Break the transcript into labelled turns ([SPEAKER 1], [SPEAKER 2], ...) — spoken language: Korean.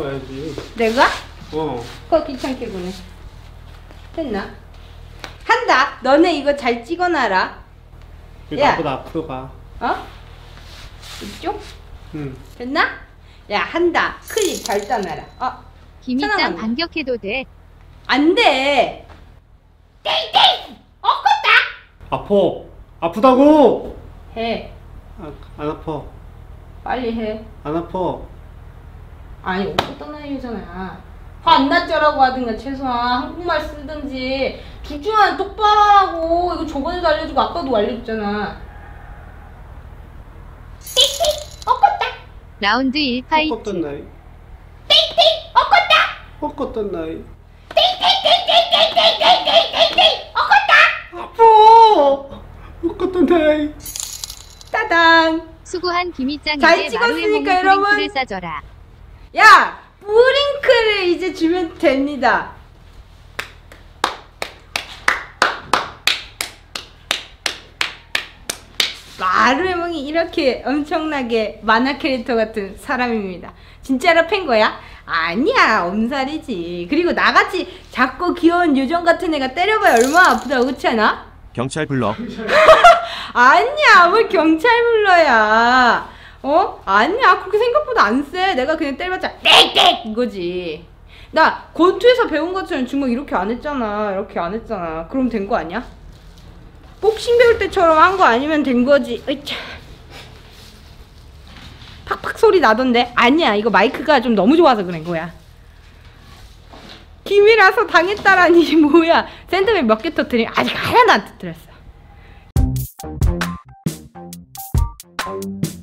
[SPEAKER 1] 찍어야지.
[SPEAKER 2] 내가?
[SPEAKER 1] 어.
[SPEAKER 2] 그거 귀찮게 보네. 됐나? 한다. 너네 이거 잘 찍어놔라.
[SPEAKER 1] 이거
[SPEAKER 2] 야.
[SPEAKER 1] 나보다 앞으로 가.
[SPEAKER 2] 어? 이쪽?
[SPEAKER 1] 응.
[SPEAKER 2] 됐나? 야, 한다. 클립 잘 따놔라.
[SPEAKER 3] 김이짱
[SPEAKER 2] 천안함.
[SPEAKER 3] 반격해도 돼.
[SPEAKER 2] 안 돼. 땡땡! 엎었다.
[SPEAKER 1] 아파. 아프다고.
[SPEAKER 2] 해.
[SPEAKER 1] 안 아파.
[SPEAKER 2] 빨리 해.
[SPEAKER 1] 안 아파.
[SPEAKER 2] 아니, 엎었단 말이잖아. 화 안 났죠라고 하든가 최소한 한국말 쓰든지 둘 중 하나 똑바로 하라고. 이거 저번에도 알려주고 아까도 알려줬잖아. 땡땡! 엎었다.
[SPEAKER 3] 라운드 1 파이트.
[SPEAKER 1] 헛것던 나이.
[SPEAKER 2] 땡땡! 엎었다.
[SPEAKER 1] 헛것던 나이.
[SPEAKER 2] 땡땡땡땡땡땡땡땡땡땡! 엎었다.
[SPEAKER 1] 아파. 헛것던 나이.
[SPEAKER 2] 따당.
[SPEAKER 3] 수고한
[SPEAKER 2] 잘
[SPEAKER 3] 김이짱에게 마루의
[SPEAKER 2] 찍었으니까
[SPEAKER 3] 몸
[SPEAKER 2] 여러분.
[SPEAKER 3] 프링크를 싸줘라.
[SPEAKER 2] 야! 뿌링크를 이제 주면 됩니다. 마루에몽이 이렇게 엄청나게 만화 캐릭터 같은 사람입니다. 진짜로 팬 거야? 아니야, 엄살이지. 그리고 나같이 작고 귀여운 요정 같은 애가 때려봐야 얼마나 아프다고, 그렇지 않아?
[SPEAKER 4] 경찰 불러.
[SPEAKER 2] 아니야, 뭘 경찰 불러야. 아니야, 그렇게 생각보다 안 세. 내가 그냥 때려봤자 땡땡 이거지. 나 권투에서 배운 것처럼 주먹 이렇게 안 했잖아. 이렇게 안 했잖아. 그럼 된 거 아니야? 복싱 배울 때처럼 한 거 아니면 된 거지. 으이차. 팍팍 소리 나던데. 아니야, 이거 마이크가 좀 너무 좋아서 그런 거야. 김이라서 당했다라니. 뭐야. 샌드백 몇 개 터뜨리면 아직 하나도 안 터뜨렸어.